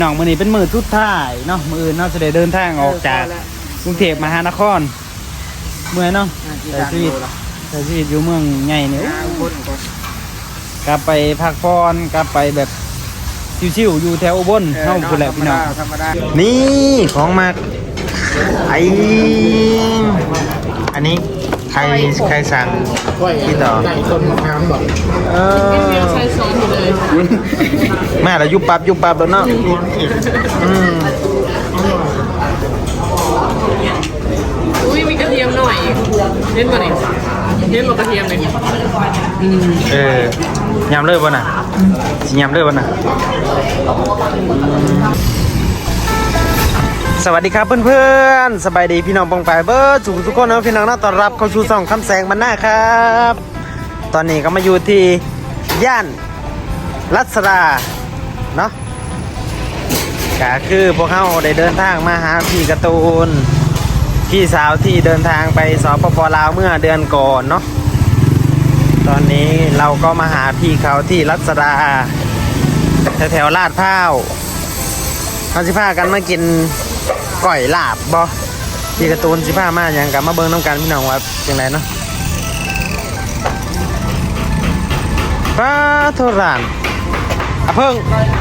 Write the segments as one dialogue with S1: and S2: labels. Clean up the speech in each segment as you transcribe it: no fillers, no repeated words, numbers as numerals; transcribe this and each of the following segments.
S1: น้องมื้อนี้เป็นมื้อสุดท้ายเนาะมื้ออื่นเนาะจะได้เดินทางออกจากกรุงเทพมหานครเมื่อยเนาะใช้ชีวิตอยู่เมืองใหญ่นี่กลับไปพักผ่อนกลับไปแบบชิวๆอยู่แถวอุบลเฮาพุ่นแหละพี่น้องนี่ของมากอันนี้ใครสั่งพี่ต่อแม่ละยุบปับแล้วเนาะ
S2: อุ้ยมีกระเทียมหน่อยเล่นมาหน่อยเล่นมากระเทียมเลย
S1: ยำเลยป่ะน่ะสิยำเลยป่ะน่ะสวัสดีครับเพื่อนๆสบายดีพี่น้องปองไปเบิร์ดทุกคนนะพี่น้องนะต้อนรับเข้าสู่ช่องคำแสงมันหน้าครับตอนนี้ก็มาอยู่ที่ย่านรัศดาเนาะก็คือพวกเขาได้เดินทางมาหาพี่การ์ตูนพี่สาวที่เดินทางไปสปป.ลาวเมื่อเดือนก่อนเนาะตอนนี้เราก็มาหาพี่เขาที่รัศดาแถวลาดพร้าวเขาสิพากันมากินก่อยลาบบ่พี่การ์ตูนสิพามาอย่างกับมาเบิ้งน้ำกันพี่น้องว่าจังไรเนาะป้าโทรานอะเพิ่ง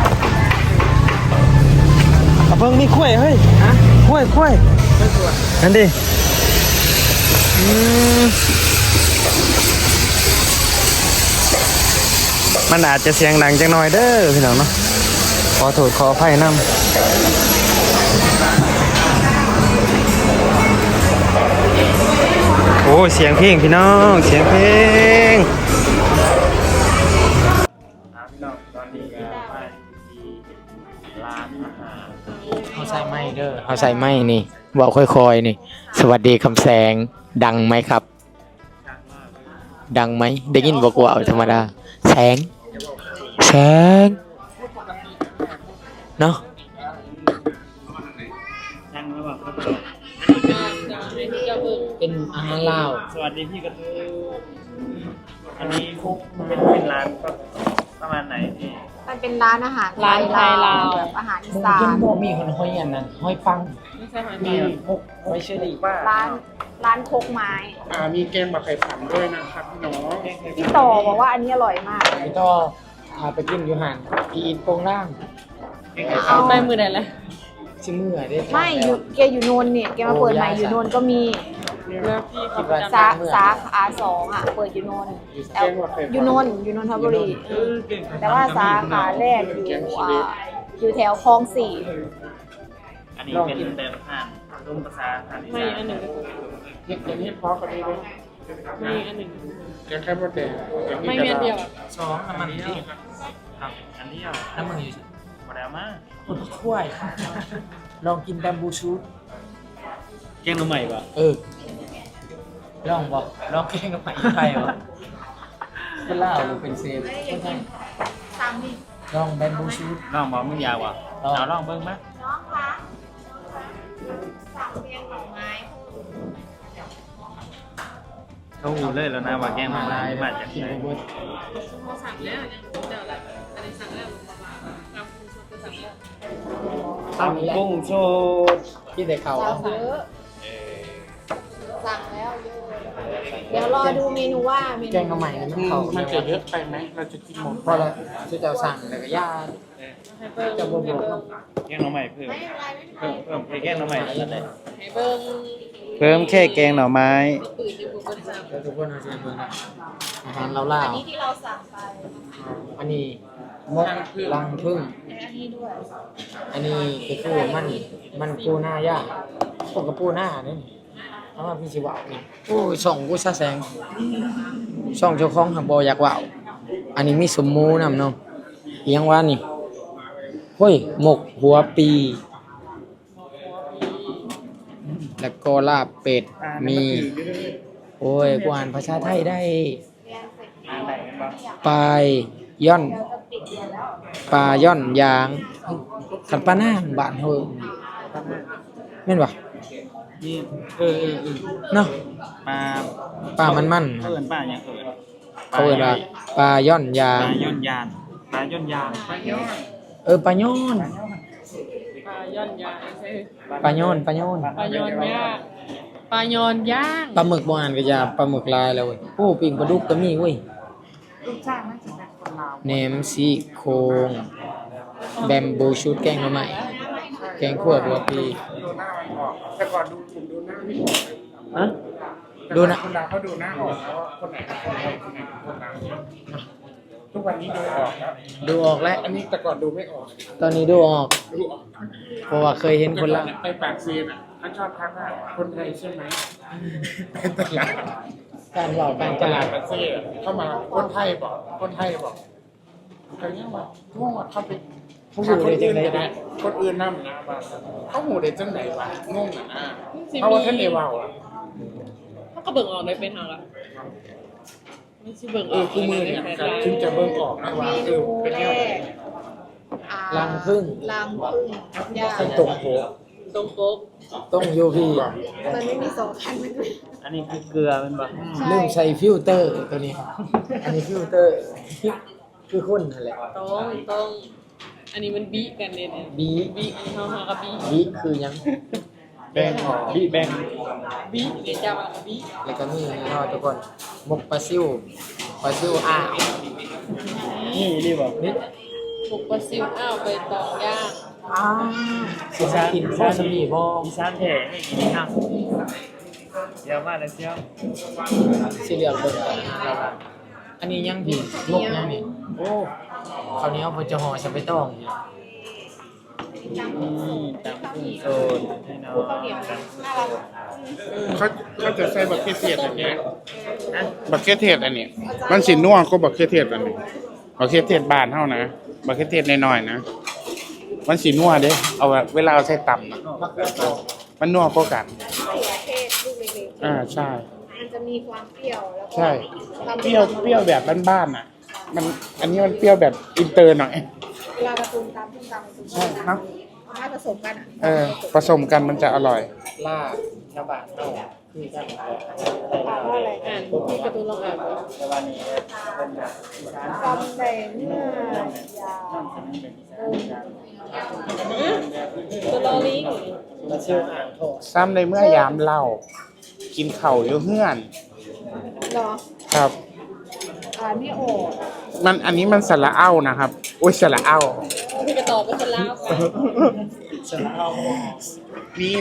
S1: มีกล้วยเฮ้ยกล้วยนั่นดิมันอาจจะเสียงดังจังหน่อยเด้อพี่น้องเนาะขอโทษขออภัยนำโอ้เสียงเพลงพี่น้องเสียงเพลงตอนนี้ก็ไปที่ร้านอาหารเขาใส่ไม้เด้อเขาใส่ไม้นี่บอกค่อยๆนี่สวัสดีคำแสงดังไหมครับดังไหมได้ยินบอกว่าธรรมดาแสงเนาะเป็นอาหารลาวสวัสดีพี่กระตืออันนี้คุกเป็นร้านประมาณไหนพี่
S3: มันเป็นร้านอาหาร
S2: ร้านไทยลาว
S3: แบบอาหารอีสาน
S1: มีคนห้อยอันนั้นห้อยปัง
S2: ไม่ใช่หอย
S1: มีมุกห้อยเชอรี่
S3: ร้านโคกไม้
S4: มีแกงบะไข่ผำด้วยนะครับพี่น้อง
S3: พี่ต่อบอกว่าอันนี้อร่อยมาก
S1: พี่ต่อไปกินอยู่ห่างพี่อินโป่งล่าง
S2: ไปมือไหนเลย
S1: ชิมือได้
S3: ไม่อยู่แกอยู่โนนเนี่ยแกมาเปิดใหม่อยู่โนนก็มีสาขา2เปิดอยู่โนนอยู่โนนทบุรีแต่ว่าสาขาแรกอยู่แถวคลอง4
S1: อันนี้เป็นแบบอาหารรุ่นภาษาอาหาร
S2: ไม่อันหนึ่ง
S4: อย่างนี้พอกันดีเลย
S2: ไม่อันหนึ่ง
S4: แกงไข่มดแดง
S2: ไม่เมียนเดียว
S1: 2น้ำมันเดียวครับอันเดียวน้ำมันอยู่พอแล้วมากคนถ้วยลองกินแบมบูชูดแกงหน่อไม้ป่ะลองบอกลองแกงหน่อไม้ไทยป่ะเป็นลาวหรือเป็นเซฟลองแบมบูชูดลองบอกมึงยาวอ่ะเอาลองเบิ้งมั้ยน้องคะสั่งแกงหน่อไม้เขาหูเลยแล้วนะว่าแกงหน่อไม้มาจากไหน
S2: เขาสั่งแล้วยังเดี๋ยวอะไรอันนี้สั่งแล้วกับคุณชดก็สั่งแล้ว
S1: กุ้งโชดที่ได้เขา
S3: สั่งเยอะสั่งแล้วเยอะเดี๋ยวรอดูเมนูว่าเมนู
S1: แกงหน่อไม้
S4: มันจะเยอะไปไหมเราจะกินหมด
S1: พอแล้วจะสั่งแต่ก็ยากจะบวกแกงหน่อไม้เพิ่มแกงหน่อไม้
S2: ให้เบิ้ง
S1: เพิ่มแค่แกงหน่อไม้ทุกคนเอาเชิญเบิ้งนะอาหารเราล่า
S3: อันนี้ที่เราสั่งไป
S1: อันนี้มกรังพึ่ง
S3: อันนี้ด้วย
S1: อันนี้คือมันปูหน้าย่างพวกกับปูหน้าเนี่ยเพราะว่าพี่ชิวะนี่โอ้ยส่องกูซะแสงส่องเจ้าของหักบอยากว่าวอันนี้มีสมมูนำเนาะยังว่านี่เฮ้ยหมกหัวปีแล้วก็ลาบเป็ดมีโอ้ยกูอ่านภาษาไทยได้ปลายย่อนปลาย่อนยางขันปลาหน้าบ้านเฮาแม่นบ่นี่เนาะปลามันเอิ้นปลาหยังเขาเอิ้นว่าปลาย่อนยางปลาย่อนยานปลาย่อน
S4: ยาง
S1: ปลาย้อน
S2: ย่อนย่างใช่
S1: ปลาโยน
S2: ปลาย่อนย่างปลาย่อนย่าง
S1: ปลาหมึกบ่อ่านก็อย่าปลาหมึกลายแล้วเว้ยโอ้ปิ้งปลาดุกก็มีเว้ย
S4: ลูกจ้างนั่นจะเป็นคนลาว
S1: แหนมซี่โครงแบมบูชูดแกงหน่อไม้แกงขั่วหัวปี
S4: ดูหน้ามันออกแต่ก่อนผมดูหน้าไม่ออกเลย
S1: ฮะดูนะ
S4: คนลาวเขาดูหน้าออกแล้วว่าคนไหนเป็นคนไทยคนไหนเป็นคนลาวทุกวันนี้ดูออกแล้ว
S1: ดูออกแล้ว
S4: อันนี้แต่ก่อนดูไม่ออก
S1: ตอนนี้ดูออก
S4: ดูออก
S1: เพราะว่าเคยเห็นคนละ
S4: ไปปากซีนอ่ะท่านชอบทักว่าคนไทยใช่ไหมเป็นตลาด
S1: การเว้าการ
S4: ต
S1: ต
S4: ลา
S1: ลา
S4: ด
S1: ด
S4: ปากซีเข้ามาคนไทยบอกคนไทยบอกแต่เนี้ยว่าง่วงว่าเขาไป
S1: เขาอยู่ได้จังได๋
S4: ได้คนอื่นนั่นะบ้านเขาหูได้จังไหนวะงงอ่ะนะเพราะว่าท่านเอวาวอ่ะ
S2: เขาก็เบิ่งออกเลยเป็นทางละไม่ใช่เบิ่งอ
S4: เอ
S2: อ
S4: อก คู่มือเนี่ยก็ถึงจะเบิ่งออกนะว่า
S3: เมนู
S4: เป็น
S3: แร
S4: แนวไหน
S3: กอ่า
S1: รังผึ้ง
S3: รังพึ่งย่าง
S1: ต้องตรงโผ
S2: ตรงโป๊ก
S1: ต้องอยู่พี่
S3: มันไม่มีสองคันมันด้วย
S5: อันนี้คือเกลือเป็นบ่
S1: ลืมใส่ฟิลเตอร์ตัวนี้ อันนี้ฟิลเตอร์คือคนนั่นแหละ
S2: ต้องอันนี้มันบีกันเนี่ย
S1: บี
S2: บีอันนี้เขากับบี
S1: บีคือหยัง
S4: แบงออก
S5: บีแบง
S2: บีเดี๋ยวจะมาบี
S1: แล้วก็มีนี่เนาะทุกคนหมกปลาซิวอ้าว
S5: นี่รีบบอก
S1: นี่
S2: บุกปลาซิวอ้าวไปตองย่าง
S1: สิซากินข้าวสมีบ่
S5: อีสานแท้ไม่กินทางเดี๋ยวมาแล้วเชียว
S1: สิเหลืองเบิ่งกันอันนี้ยังพี่ลกยังนี่โอ้คราวนี้เอาพอจะห่อจะไปต้องนี่
S5: นี่ตามกุ้งโซนให้น้อง
S3: ข้าวเหนียวน่ารัก
S4: เขาจะใส่บักเก็ตเทศอันเนี้ยบักเก็ตเทศอันเนี้ยมันสินัวก็บักเก็ตเทศอันนี้บักเก็ตเทศบ้านเฮานะบักเก็ตเทศน้อยๆนะมันสินัวเด้เอาแบบเวลาเอาใส่ตำนะมันนัวกว่ากัน
S3: มะเขือเทศลูกเล็ก
S4: ใช่
S3: ๆมันจะมีความเปรี้ยวแล้วก็
S4: ใช่
S3: ตำ
S4: เปรี้ยวแบบบ้านๆอ่ะมันอันนี้มันเปรี้ยวแบบอินเตอร์หน่อย
S3: เวลาการะตูนตำส้มตำการะตูน
S4: ใช่ครับ
S3: เอามาผสมกันอ่ะ
S4: ผสมกันมันจะอร่อย
S1: ล่าชาวบ้านเฮาคือกัน
S3: ถามว่าอะไร
S2: อ่านที่การ์ตูนลองอ่าน
S5: แต่วันนี้เป็นแบบอีสาน
S3: ตำใส่เนื้อยาว
S2: ตัวลอลิง
S1: ปลาซิวอ่างทอง
S4: ซ้ำในเมื่อยามเล่า กินเข่าวอยู่เฮือน
S3: เหรอ
S4: ครับ
S3: ไม่ออก
S4: มันอันนี้มันสระเอ้านะครับโอ้ยสระเอ้า
S2: พี่กระตอบเป็นคนลาวค่ะ
S1: สลาว
S4: นี่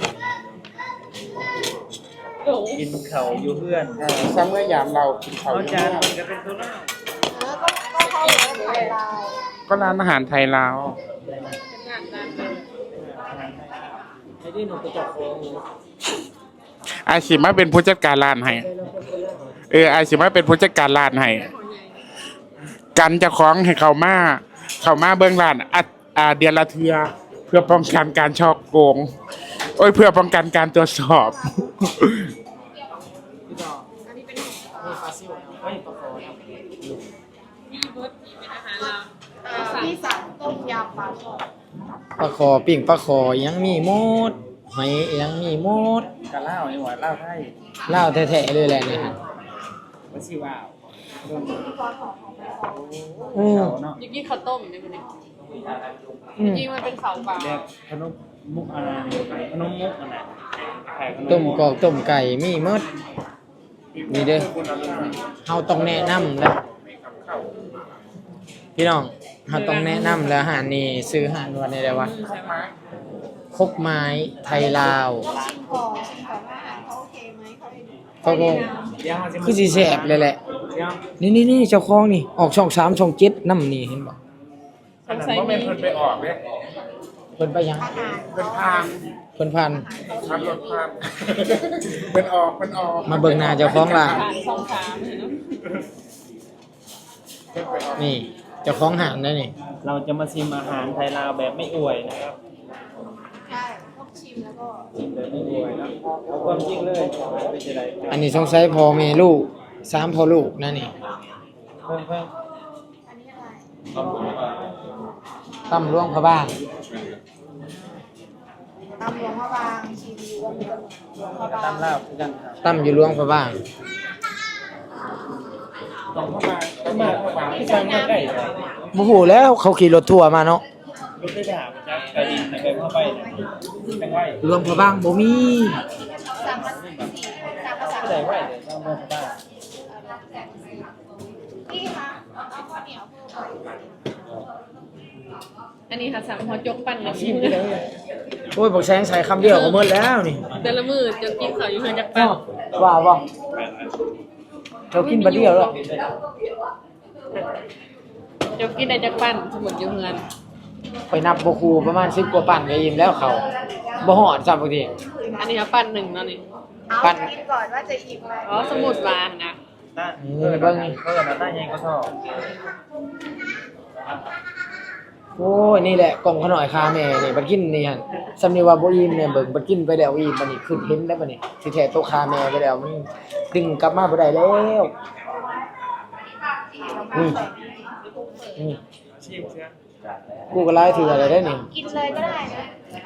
S2: โอ้โห
S5: กินเข่าอยู่เพื่อน
S4: ซ้ำเมื่อยามเรากินเข่าว
S5: เอา
S4: อยู่
S5: จาน
S4: เฮือน
S5: มันก็เป็นตัวเล่า
S3: แล้วก็เข้าร้านขายลาว
S4: ก็ร้านอาหารไทยลาว
S2: เป็นงานนั้นเลย
S1: ไอ้ที่หนูไปจับโค้งนี่
S4: อาชิมาเป็นผู้จัดการร้านให้อาชิมาเป็นผู้จัดการร้านให้กันจะคล้องให้เขามาเบื้องร้านเดือนละเทือเพื่อป้องกันการช่อโกงโอ้ยเพื่อป้องกันการตรวจสอบ
S1: พี่ต่อนี่ปลาซิวเฮ้ยปลาคอนะ
S2: มีเบิร์ดเป็นอาหารลาว
S3: พี่สั่งต้มยำปลาทอด
S1: ปลาคอปิ้งปลาคอยังมีหมดหอยยังมีหมด
S5: กะเล่านี่หว่าเล่าไทย
S1: ลาวแท้ๆเลยแหละนี่ฮะ
S5: วัชิวาว
S1: อืม
S5: เขาเนาะ
S2: ยิ่งข้าวต้มเนี่ยมันเนี่ย
S1: อืม
S2: จริงมันเป็นข้าวเปล่า
S5: เรียกขนมมุกอะไรขนมมุกอะไรไข่ขนม
S1: ต้มกอกต้มไก่มีหมดนี่เด้อเฮาต้องแนะนำแล้วพี่น้องเฮาต้องแนะนำแล้วอาหารนี่ซื้ออาหารวันนี้ได้วะครกไม้ไทยลาว
S3: ชิมก่อนว่าอาหารเขาโอเคไหมเขาได้ดู
S1: เขาก็
S5: เดี๋ยวเราจะมา
S1: คือสิแซ่บเลยแหละ
S5: เดี๋ยว
S1: นี่เจ้าของนี่ออกช่อง3ช่อง7นำนี่เห็นบ่
S2: สงสัย
S4: เพราะไม่
S2: มี
S4: เพิ่นไปออกเนี่ย
S1: เพิ่นไปยัง
S3: อาหาร
S4: เป็นทาง
S1: เพิ่นพัน
S4: ขับรถทางเป็นออกเป็นออก
S1: มาเบิ่งหน้าเจ้าของร้าน
S2: ผ่านช่องสามเนาะ
S1: นี่เจ้าของหานได้นี่
S5: เราจะมาชิมอาหารไทยลาวแบบไม่อวยนะครับ
S3: ใช่ต้องชิมแล้วก็
S5: ชิมแบบไม่อวยนะเอาความจริงเลยไม่ใช่ไร
S1: อันนี้สงสัยพ่อแม่ลูก3พ่อลูกนั่นนี่
S5: เพิ่ม
S3: อันนี้อะไร
S1: ตำหลวงพระบาง
S3: ตำหลวงพระบางชีวิวว่ามีตำหลวงพระบาง
S5: ตามลาบคือกันครับ
S1: ตำอยู่หลวงพระบาง
S4: ต้องเข้ามา
S5: ที่สั่งมาได้เลย
S1: บ่ฮู้แล้วเขาขี่รถทัวร์มาเนาะ
S5: ไม่ได้ถามจักไปดินไปเข้าไปจังไว้
S1: รวมพอบ้างบ่มี
S5: ไม่ได้ไว้เลยต้องมาบ้าน
S2: อันนี้ค่ะสั่งหัวจกปั่นนะชิม
S1: โอ้ยบอกแซงใส่คำเดียวก็หมดแล้วนี่
S2: แต่ละมือจะกินข้าวอยู่เฮือนจากปั่น
S1: ว่าบ่เรากินบัดเดียวแล้ว
S2: จะกินได้จากปั่นสมุนอยู่เฮือน
S1: ไปนับบ่คูประมาณ10กว่าปั่นก็อิ่มแล้วเขาบ่ฮอดซ้ำบางที
S2: อันนี้ค่ะปั่นหนึ่งเนาะนี่
S1: ปั่น
S3: กินก่อนว่าจะอิ่มไหม
S2: อ๋อสมุดหวานนะ
S5: ต้าเบิ่งนี่เขาต้าใหญ่ก็ชอบ
S1: โอ้ยนี่แหละกล่องขน่อยคาแม่นี่บัดกินนี่หั่นสำนีว่าบ่อิ่มเนี่ยเบิ่งบัดกินไปแล้วอิ่มบัดนี้ขึ้นเห็นแล้วบัดนี้สิแท้โตะคาแม่ไปแล้วมันดึงกลับมาบ่ได้แล้วนี่
S5: ชิมเสีย
S1: กูก็หลายเถื่อเลยได้นี่
S3: กินเลยก็ได้นะ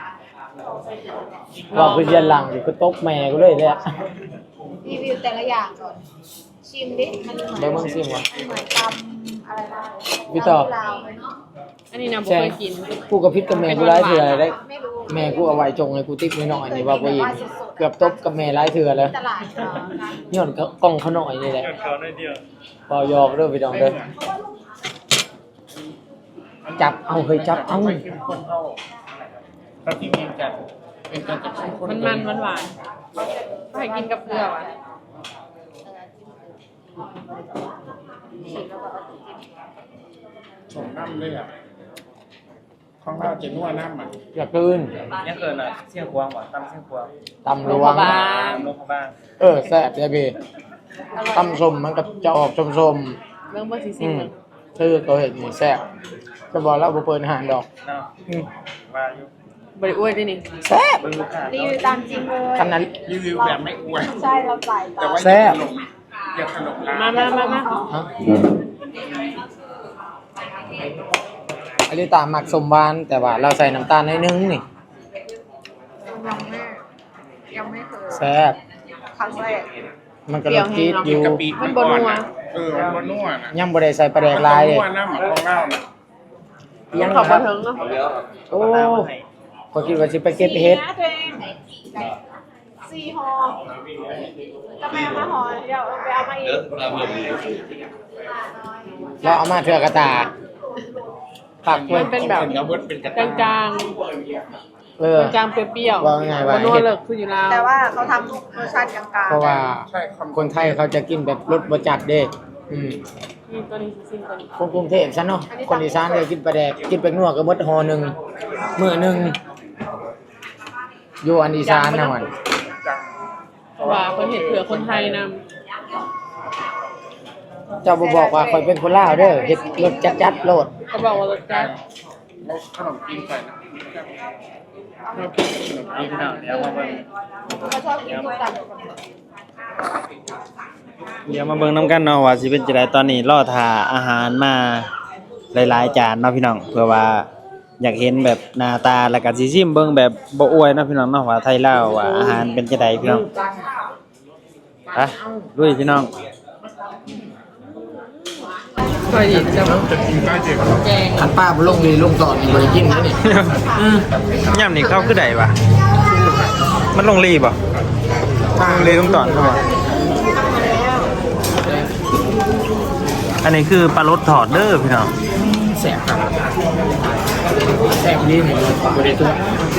S1: ว่าคือเรียนหลังสิก็ตบแม่กูเลยแหละ
S3: รีวิวแต่ละอย่างก่อน ชิมดิมันเหมือน
S1: เดี๋ยวมึงซิมวะ
S3: เหมือนตำอะไรนะ
S1: พี่ต่อ
S3: ลาวไหม
S2: อันนี้นะบ่
S1: แซ
S2: เค
S1: ง
S2: ยกิน
S1: กูกับพิษกับแม่กูหลายเถื่อเลยได้
S3: ไม่รู้
S1: แม่กูเอาไว้จงให้กูติ๊กน้อยๆนี่ว่าบ่อิ่มเกือบตบกับแม่หลายเถื่อแล้ว
S3: ตลาดเหรอ
S1: ย้อนกล่องเขาหน่อยนี่แหละ
S5: เขาได้เดียว
S1: ปอยอกเด้อพี่น้องเด้อจับเอาเฮ้ยจับเอา
S5: เข้มข้นเท่าถ้าที่มีจัดเป็นการจัดเข้มข้น
S2: มันหวานก็ให้กินกับเกลือว่ะ
S4: ส่งน้ำเลยอ่ะของเราจะนวดน้ำอ่ะ
S1: อย่ากืน
S5: เนี่ยเกินอ่ะเสี่ยงควงว่ะตำเสี่ยงควง
S1: ตำรวง
S2: บาง
S5: ลงเข้าบ้าน
S1: แซ่บเด้อพี่ตำส้มมันก็จะออกส้ม
S2: เรื่องบ่สิ
S1: ๆ
S2: ซิมมัน
S1: คือตัวเห็ดนี่แซ่บจะบอกแล้วบ่เปิดอาหารดอก
S5: เนาะมาอยู่
S2: บ่ได้อวยด้วยนี่
S1: แซ่บ
S5: เบิ่งลูกค้า
S3: รีวิวตามจริงเลย
S1: ขนาด
S4: รีวิวแบบไม่อวย
S3: ใช่เราใส่ตา
S4: แต่
S3: ม
S4: ว่า
S1: แซ่บ
S4: อย่าขนมร้าน
S2: มา
S1: ฮะอันนี้ตามหมักสมหวานแต่ว่าเราใส่น้ำตาลนิดนึงนี่
S3: ยังไม่เคย
S1: แซ่บ
S3: ครั้งแรก
S1: มันก็รสจี๊ดอยู่
S4: กะปิมันบ่นัวมันบ่นัวนะ
S1: ยังบ่ได้ใส่ปลาแดกลายเลย
S4: มันต้องนัวน้ำของเราน่ะ
S1: ยัง
S2: ขอบ
S1: ค
S2: บ่
S1: รับ
S2: ถึงเนาะ
S1: โอ้ก็คิดว่าสิไปเก็บเฮ็ด
S3: นะตัวเอง4 ห่อก็แม่มาห่อเดี๋ยวเอาไปเอามาอีก
S1: เราเอามาเถือกระตาผักเว้
S2: มั
S1: ย
S2: นเป็นแบบ
S4: เป็นกระเบิดเป็นกระ
S2: จาง
S1: เออ
S2: ๆจางๆเปรี้ยว
S1: ว่าไงวะ
S2: นัวเลิกคืออยู่แล้ว
S3: แต่ว่าเขาทำรสชาติกลางๆ
S1: เพราะว่าคนไทยเขาจะกินแบบรสบ่จัดเด้
S2: นี่ตัวนี้ซิมตัวนี้
S1: คนกรุงเทพซะเนาะคนอีสานเลยกินปลาแดกกินเป็ดนัวก็หมดห่อหนึงมื้อหนึงอยู่อันอีสานนะมัน
S2: เพราะว่าเพิ่นเห็นเผื่อคนไทยนำ
S1: เจ้าบ่บอกว่าข่อยเป็นคนลาวเด้อเฮ็ดรสจัดๆโลด
S2: เขาบอกว่ารสจัด
S4: แล้วขนมจีนใส่นะ
S5: นี่พี่น้องเดี๋ยวมาเบิ่ง
S3: เขาชอบกินทุกอย่าง
S6: เดี๋ยวมาเบิ่งน้ำกันเนาะว่าสิเป็นจังไดตอนนี้รอท่าอาหารมาหลายๆจานเนาะพี่น้องเพื่อว่าอยากเห็นแบบหน้าตาแล้วก็สิชิมเบิ่งแบบบ่อวยเนาะพี่น้องเนาะว่าไทยลาวว่าอาหารเป็นจังไดพี่น้องไปลุยพี่น้อง
S2: ค่อยดีจะ
S4: จะกินได้เจ็บ
S2: แกง
S1: คันป้าบ่ลงดีลงตอนนี่บ่ได้กินนะนี่
S6: ย่ำนี่เข้าคือใดวะมันลงรีบ่ลงรีต้องตอนเข้ามาอันนี้คือปลารสถอดเด้อพี่น้อง
S1: แซ่บครับแซ่บดีนี่บ่ได้ตัว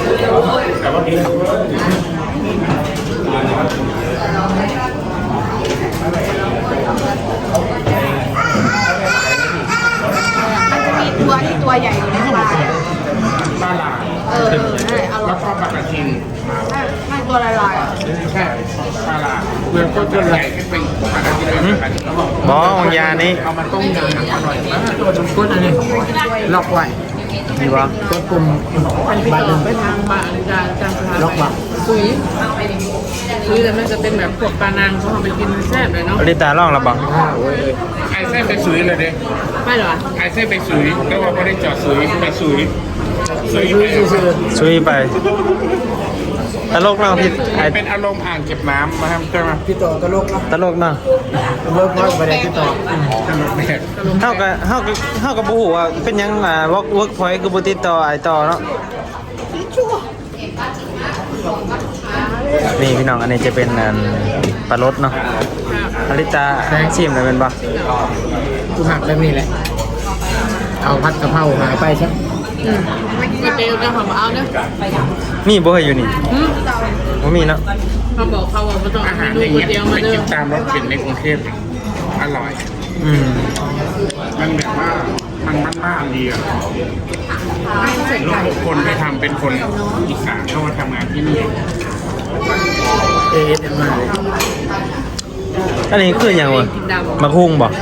S3: มันจะมีตัวที่ตัวใหญ่อยู่ในปลา
S4: ปลาหลา
S3: นั่นแหละอร่อ
S4: แล้
S3: ยว
S4: ก็ปลากระทิง
S3: ไม่ตัวลอยๆอ่ะ
S4: ใช่ปลาหลาเพื่อนก็จะใหญ่ขึ้นไปปลากระทิงเลยปลากระทิงแล้วบอก
S6: บ่ของยานี้
S4: เอามาต้มยำอร่อยมาก
S1: ตัวชมกุดอันนี้ล็อกไว้
S6: นี่บ่
S1: ตัวกลุ่ม
S2: อันที่ต่อไปทางบ้านจางสถาน
S1: ล็อกบ่
S2: ซุยแต่มันจะเป็นแบบพวกปลานางเขาเอาไปกินแซ่บเลยเนาะ
S6: อลิตาลองแล้วบ่
S1: โอ้ย
S4: ไอ้เส้นไปสุยเลยเด้
S2: ไม่เหรอ
S4: ไอ้เส้นไปสุยแล้วว่าไม่ได้จอดสุยไปสุย
S1: ซื้อ
S6: ซุยไป
S1: ตลกเนาะพี่ไอ
S4: เป็นอารมณ์อ่างเก็บน้ำนะครับใช่ไหม
S6: พี่ต่อตลกเนาะ
S1: ตลกเนาะ
S6: ตลกน้อยไปได้พี่ต่อ
S4: ตลกแม่
S1: เฮากับบ่ฮู้ว่าเป็นหยังเวิร์กพอยต์คือบ่ติดต่อไอต่อเนาะนี่พี่น้องอันนี้จะเป็นปลารสเนาะอลิตาชิมเลยเป็นบ่
S6: กูหักแบบนี้แหละเอาผัดกะเพราหายไปใช่
S2: ก๋วยเตี๋ยวจะหอมเอาเนอะ
S1: มีบ่ให้อยู่นี่บ่มีเนาะ
S2: เขาบอกว่าต้อง
S4: อาหาร
S2: ดู
S4: อย่าง
S2: ก๋วย
S4: เงี้ย
S2: เตี๋ยวมา
S4: ไป
S2: เด้
S4: กิ
S2: อน
S4: ตามรถเข็นในกรุงเทพอร่อย
S1: อืม
S4: มันแบบว่ามันบ้านๆดีอ่ะแล้วคนที่ทำเป็นคนอีสานเข้ามาทำงานที่นี่
S6: เอสมาเลย
S1: อันนี้คือหยังวะ
S2: กินดำ
S1: มะฮุ่งบ่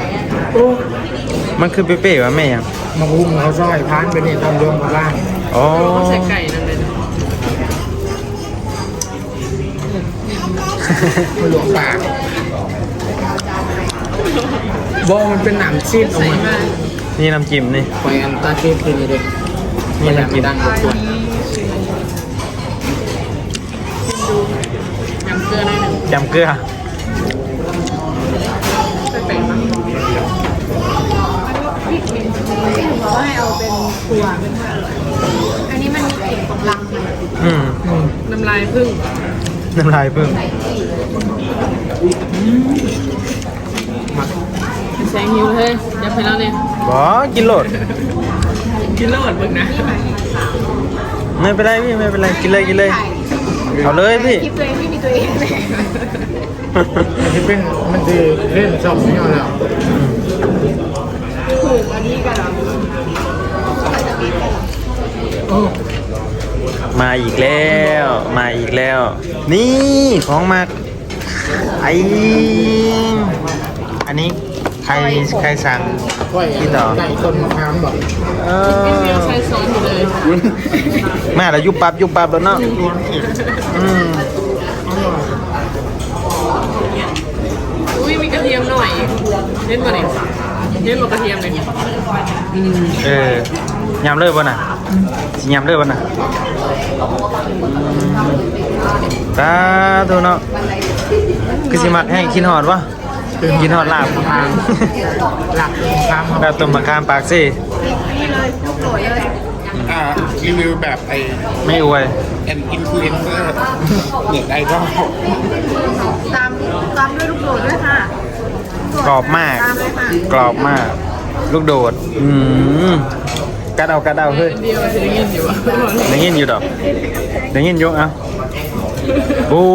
S1: มันคือเป๊ะๆวะแม่หยัง
S6: มาหุ้มเขาซอยพานไปนี่ตอนรวมกับบ้าน
S1: อ๋อ
S2: ใส่ไก่นั่นเลยนะ
S6: มาหลวงปากบอกมันเป็นหนังซีดออก
S2: ใส่
S6: มา
S2: มา
S1: นี่น้ำจิ้มนี่
S6: ปล่อยอันตาเทปคือนี่เด็ก
S1: นี่น้ำจิ้ม
S6: ดังกว่าตัว
S2: ยำเกลือหน่อยหนึ่ง
S1: จำเกลือ
S2: ใส่แป้งมา
S3: เขาให้เอาเป็นตัวอันนี้มันมีกลิ่นของลัง
S1: อืม
S2: น้ำลายพึ่ง
S1: น้ำลายเพิ่ม
S2: แสงหิวเลยเดี๋ยวไปแล้วเนี่ย
S1: บ่กินโลด
S2: กินแล้วหมดมึงนะ
S1: ไม่เป็นไรพี่ไม่เป็นไรกินเลยกินเลยเอาเลยพี่
S3: คลิปตัวเองไม่มีตัวเองเลย
S6: มันจะเป็นมันจะเล่นชอบไม่เอาแล้ว
S3: ถูกอันนี้กันเหรอ
S1: มาอีกแล้วมาอีกแล้ว นี่ของมากไออันนี้ใครสั่ง
S6: ปล่อย
S1: กินเหรอ
S6: ไก่คนมาค้ำบอก
S1: เอ
S2: เปรี้ยว
S1: อ
S2: ใส่ซอสอยู่เลย
S1: มาแล้วยุบปับแล้วเนาะอืม
S2: อุ้ยมีกระเทียมหน่อยเล่นมาเนี่ยเล่นมากระเทียมเลย
S1: เออยำเลยบ่น่ะสิยำเลยบ่น่ะตาตัวเนาะคือสิมักแห้งกินหอดวะกินหอดลาบ
S6: หลักค้ำ
S1: แบบต้มมะขามปากซี่
S4: รีวิวแบบไอ้
S1: ไม่อวย
S4: แอนอินฟลูเอนเซอร์เน็ตไอดอล
S3: ตามด้วยลูกโดดด้วยค่ะ
S1: กรอบมาก กรอบมาก ลูกโดดกระเดาเฮ้ย
S2: เดียวจะได้ยินอยู่ว่า
S1: ได้ยินอยู่ดอกได้ยินอยู่เอ้าโอ้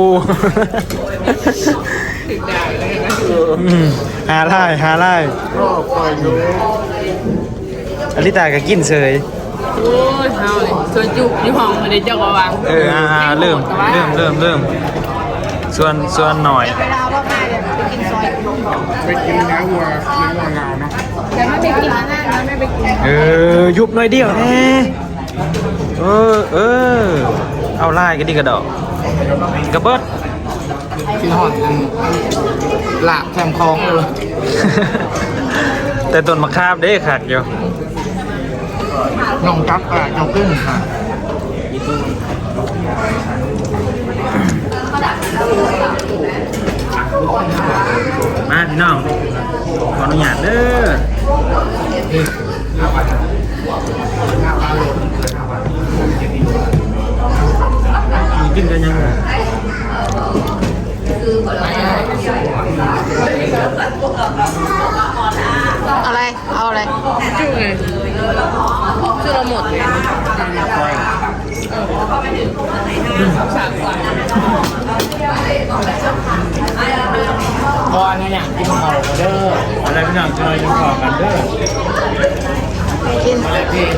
S2: ถึงได้เลยนะ
S1: หาไล่
S6: ก็ปล่อยดู
S1: อลิตาก็กินเฉย
S2: โอ้ยเอาเลยส่วนจุกยี่ห้องมันได้เจ้ากระวัง
S1: เริ่มส่วนหน่อย
S3: เวลาว่าแม่จะไปกินซอย
S4: ไปกินเนื้อวัวลาวเนาะ
S3: แต่ไม่ไปกินนะไม่ไปกิน
S1: ยุบหน่อยเดียวแน่เอาไล่กันดีกระดอกกระเบิด
S6: ที่หอดกันหลากแคมคลองเลย
S1: แต่ต้นมะขามเด้ขาดอยู่
S6: น้องตักอ่ะน้องขึ้นค่ะ
S1: มาพี่น้องขออนุญาตเด้อมีกินกันยังไง
S3: อะไรเอาอะไร
S2: จุกไงคือเราหมดเลยสามวัน
S6: พอเนี่ยอยากกินเขาเด้อ
S1: อะไรพี่น้องจะลอยยังขอกันเด้อ
S3: กิน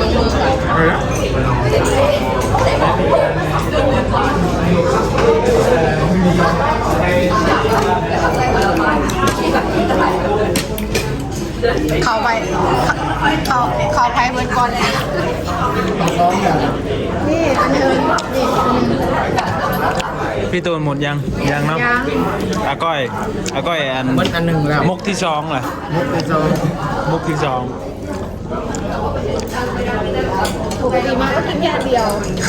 S3: เข้าไปเข้าไปเหมือนก่อนเลยนี่อันนึงนี่
S1: พี่ตูนหมดยังเนาะ
S3: ยัง
S1: อาก้อยอัน
S6: มันอันหนึ่งแล้ว
S1: มุกที่สองเหรอ
S6: มุกไปซอง
S1: มุกที่สอง
S3: ปกติมาก็กินแค่อันเดียว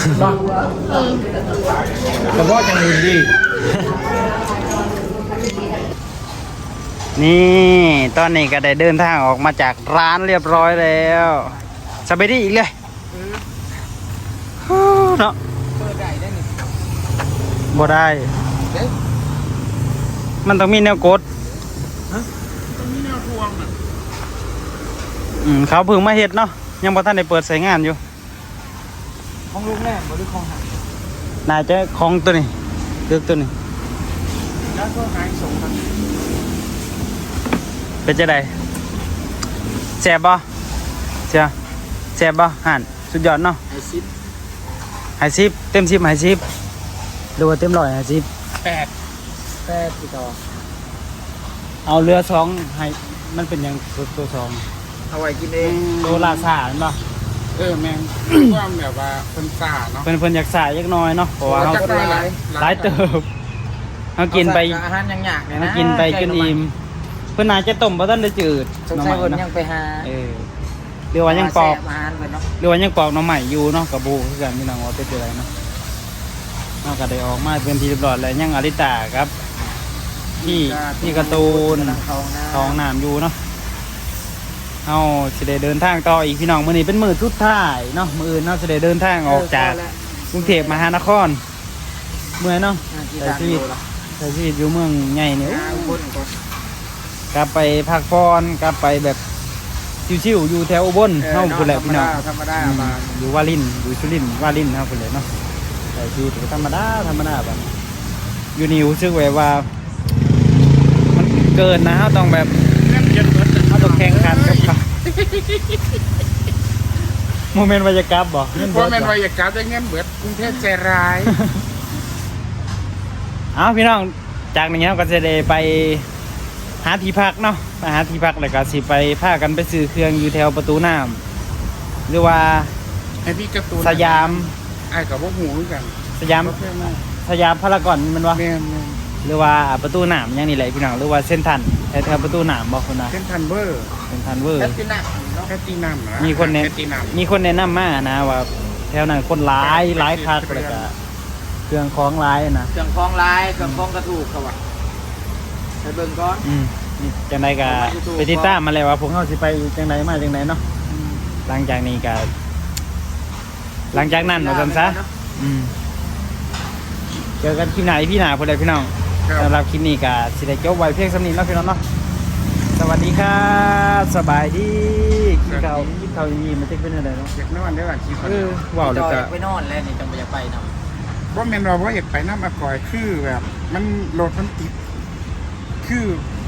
S5: เฉพาะจังอื่นดี
S1: นี่ตอนนี้ก็ได้เดินทางออกมาจากร้านเรียบร้อยแล้วสบายดีอีกเลยเนาะบ่ได้ มันต้องมีแนวกดเขาเพิ่งมาเฮ็ดเนาะยังบ่ทันได้เปิดใช้งานอยู่
S6: ของลุงแรกบ่หรือของหา
S1: น่าจะของตัวนี้เลือกตัวนี้
S5: แล้วก็หายสงครับ
S1: เป็นจะไดแซ่บบ่เชียแซ่บบ่ห่านสุดยอดเนาะ
S5: ไอซิป
S1: หายซิปเต็ม10หายซิปหรือว่าเต็ม100หายซิป
S5: 8กี่ต่อ
S1: เอาเรือสองให้มันเป็นหยังตัวสอง
S6: เอาไว้กินเอง
S1: ตัวลาซาเห็นบ่
S5: แม่งความแบบว่าคนสาเนาะ
S1: เพิ่นอยากสายจักหน่อยเนาะเพราะว่าเฮา
S5: จักหน่อยหลาย
S1: หลายเติบเฮากินไป
S6: อาหารยังยากเลย
S1: เฮา
S6: นะ
S1: กินไปจนอิ่มเพิ่นน่าจะต้มบ่ทันได้จืด
S6: สง
S1: หน่อ
S6: สัย
S1: ไม้
S6: เพิ่น
S1: เนาะ
S6: ยังไปหา
S1: หรือว่ายังปอก
S6: แซ่บอาหารเพิ่นเนาะ
S1: หรือว่ายังปอกหน่อไม้อยู่เนาะกับบูคือกันพี่น้องว่าเป็นจังไดเนาะเฮาก็ได้ออกมาเป็นที่เรียบร้อยแล้วยังอริตาครับพี่การ์ตูน ท้องน้ำอยู่เนาะเอาสิได้เดินทางต่ออีกพี่น้องมื้อนี้เป็นมื้อสุดท้ายเนาะมื้ออื่นเนาะสิได้เดินทางออกจากกรุงเทพมหานครเมื่อยเนาะใช้ชีวิตอยู่เมืองใหญ่นี่กลับไปพักผ่อนกลับไปแบบชิวๆอยู่แถวอุบลเฮาพุ่นแหละพี่น้อง
S5: ธรรมดา
S1: อืมอยู่วารินอยู่สุรินทร์วารินเฮาพุ่นแหละเนาะใช้ชีวิตธรรมดาบัดนี้อยู่นี่รู้สึกว่ามันเกินนะเฮาต้องแบบเขาต้องแข่งขันกับเขาโมเมนต์วายกรรมบอก
S5: เพราะแม่นวายกราฟได้เงี้ยเบิดกรุงเทพใจร้าย
S1: เอาพี่น้องจากนี้เราก็จะได้ไปหาที่พักเนาะไปหาที่พักแล้วก็สิไปพากันไปซื้อเครื่องอยู่แถวประตูน้ำหรือว่า
S5: ให้พี่การ์ตูน
S1: สยาม
S5: ไอ้กับพวกหูเหมือนกัน
S1: สยาม
S5: เพื่อนมาก
S1: สยามพารากอนแมันวะ
S5: แม่น
S1: หรือว่าประตูน้ำอย่างนี้แหละพี่น้องหรือว่าเส้นทันแถวประตูน้ำบอกคนนะ
S5: เส้นทันเบอร์
S1: เส้นทันเวอร์
S5: แคตินัมแคตินัมนะ
S1: มีคนแนะ
S5: แคตินัม
S1: มีคนแนะนำมานะว่าแถวนั้นคนหลายคักเลยก็เครื่องของหลายนะ
S6: เครื่องคองลายเครื่องคองกระถูกเขาว่าไปเบิ่งก่อน
S1: นี่จังไดก็ไปติดตามมาแล้วว่าพวกเขาสิไปจังไดมาจังไดเนาะหลังจากนี้ก็หลังจากนั้นเรากันซะเจอกันคลิปไหนพี่หนาพอดีพี่น้อง
S5: ครับ
S1: สำหรับคลิปนี้ก็สิได้จบไว้เพียงสำนี้เนาะพี่น้องเนาะสวัสดีครับสบายดีกินข้าวอย่างนี้มันจะเป็นอะไรเนาะ
S5: อยากนอนได้หลายทีคน
S1: ว้าวเลย
S6: จอย
S1: ก็
S6: ไปนอนแล้วนี่จังบ่อยากไปนำ
S5: ว่าแม่นเราว่าอยากไปน้ำอากอยคือแบบ มันโหลดมันติดคือ